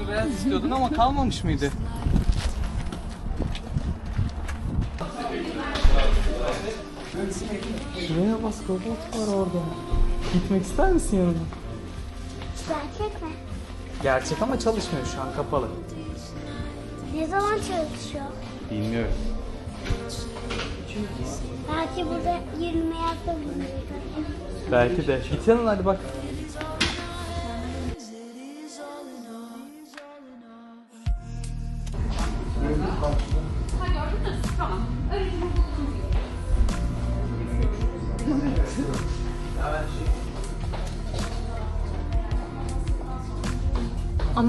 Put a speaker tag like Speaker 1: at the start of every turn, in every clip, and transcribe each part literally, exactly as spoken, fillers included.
Speaker 1: siyah beyaz istiyordun ama kalmamış mıydı? Şuraya bak, robot var orada. Gitmek ister misin yanına?
Speaker 2: Gerçek mi?
Speaker 1: Gerçek ama çalışmıyor, şu an kapalı.
Speaker 2: Ne zaman çalışıyor?
Speaker 1: Bilmiyorum.
Speaker 2: Belki burada yürüme yapabiliriz.
Speaker 1: Belki de. Git yanına hadi bak.
Speaker 3: Ama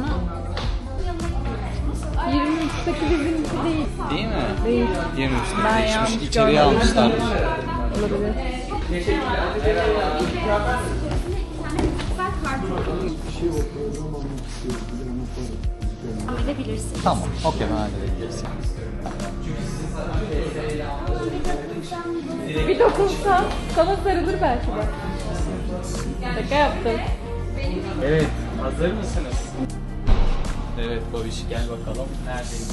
Speaker 3: yirmi üçteki bizimki değil.
Speaker 1: Değil mi?
Speaker 3: Değil.
Speaker 1: yirmi üçte
Speaker 3: Ben
Speaker 1: değişmiş,
Speaker 3: yanlış
Speaker 1: içeriye
Speaker 3: görmedim.
Speaker 1: almışlarmış.
Speaker 3: Olabilir.
Speaker 2: Alabilirsin.
Speaker 1: Tamam, okey, ben halledebiliriz.
Speaker 3: Bir dokunsa sana sarılır belki de. Şaka yaptım.
Speaker 1: Evet, hazır mısınız? Evet Babiş, gel bakalım. Neredeyiz?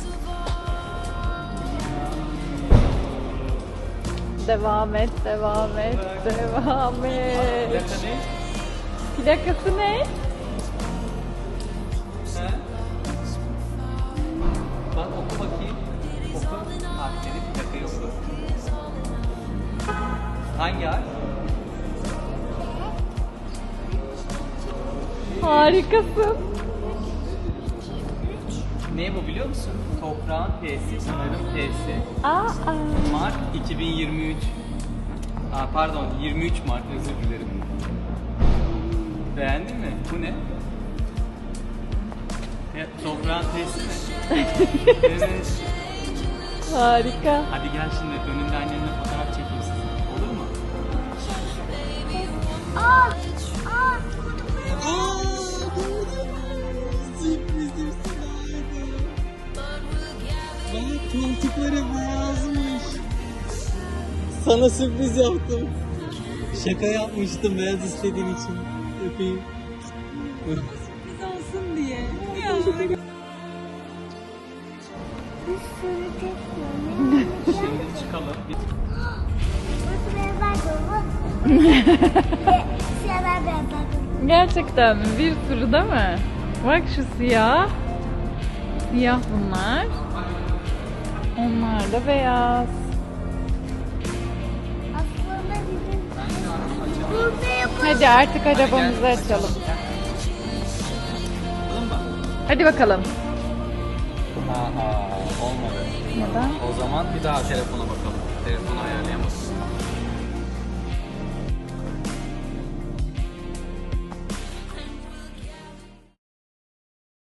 Speaker 3: Devam et, devam et, devam et.
Speaker 1: Plaka ne?
Speaker 3: Plakası ne?
Speaker 1: He? Bak oku bakayım. Oku. Harfleri, plakayı oku. Hangi harf?
Speaker 3: Harikasın.
Speaker 1: Ne bu biliyor musun? Toprağın P'si, Pınar'ın P'si.
Speaker 3: Aa,
Speaker 1: Mart iki bin yirmi üç. Aa, pardon, yirmi üç Mart, özür dilerim. Beğendin mi? Bu ne? Ya, toprağın P'si mi? Evet.
Speaker 3: harika.
Speaker 1: Hadi gel şimdi önünde annenle fotoğraf çekeyim size. Olur mu?
Speaker 2: Aa! Aa!
Speaker 1: Sürprizim Bak koltukları beyazmış. Sana sürpriz yaptım. Şaka yapmıştım beyaz istediğin için. Öpeyim.
Speaker 3: Olsun diye.
Speaker 2: Bir sürü tekrar.
Speaker 1: Şimdi çıkalım.
Speaker 2: Burası beyazlar dolu. Siyahlar beyazlar dolu.
Speaker 3: Gerçekten mi? Bir sürü değil mi? Bak şu siyah. Siyah bunlar. Onlar da beyaz.
Speaker 2: Aslında bizim burada yapalım.
Speaker 3: Hadi artık arabamızı açalım. Hadi bakalım.
Speaker 1: Aha, olmadı.
Speaker 3: Neden?
Speaker 1: O zaman bir daha telefona bakalım. Telefonu ayarlayamadım.